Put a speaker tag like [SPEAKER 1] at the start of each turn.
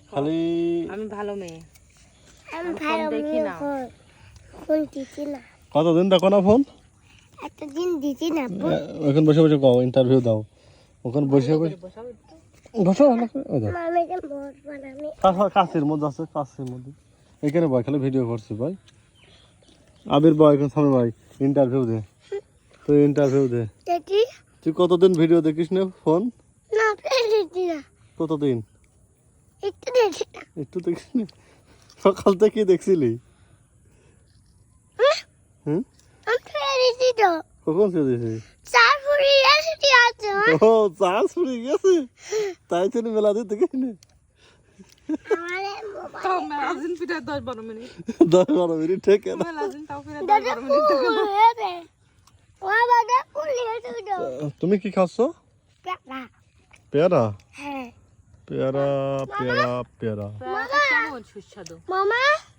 [SPEAKER 1] খালি
[SPEAKER 2] আমি ভালো মেয়ে
[SPEAKER 3] আমি ভালো
[SPEAKER 2] দেখি না।
[SPEAKER 3] ফোন দিছি না
[SPEAKER 1] কতদিন দেখো না ফোন?
[SPEAKER 3] এতদিন দিছি না
[SPEAKER 1] এখন বসে বসে কও ইন্টারভিউ দাও ওখানে বসে বসে বসো ওই দাও
[SPEAKER 3] মামাকে মোট বানামি
[SPEAKER 1] কাছের মধ্যে আছে কাছের মধ্যে এখানে বয় খালি ভিডিও করছি ভাই আবির বয় এখন সামনে ভাই ইন্টারভিউ দে তুই ইন্টারভিউ দে
[SPEAKER 3] দেখি
[SPEAKER 1] তুই কতদিন ভিডিও দেখিস না ফোন
[SPEAKER 3] না দিছি না
[SPEAKER 1] কতদিন
[SPEAKER 3] একটু দেখি না
[SPEAKER 1] একটু দেখিস না সকাল থেকে দেখছিলি হুম
[SPEAKER 3] আমি দিছি তো
[SPEAKER 1] কখন ছেড়ে দিয়েছিস
[SPEAKER 3] চার ফুরি এসে আছে
[SPEAKER 1] ও চার্জ ফুরি গেছে তাই জন্য মেলা দিতে দেখিস না
[SPEAKER 3] আমারে
[SPEAKER 2] তাও মেলাজিন পিঠায় 10-12 মিনিট
[SPEAKER 1] 10-12 মিনিট ঠিক আছে
[SPEAKER 2] মেলাজিন তাও পিঠায় 10-12 মিনিট থেকে
[SPEAKER 3] ও বাবা ফুলি এসে তো
[SPEAKER 1] তুমি কি খাচ্ছ
[SPEAKER 3] কাকা
[SPEAKER 1] পেয়ারা
[SPEAKER 3] হ্যাঁ
[SPEAKER 1] পেয়ারা পেয়ারা পেয়ারা
[SPEAKER 2] কেমন সুস্বাদু
[SPEAKER 3] মামা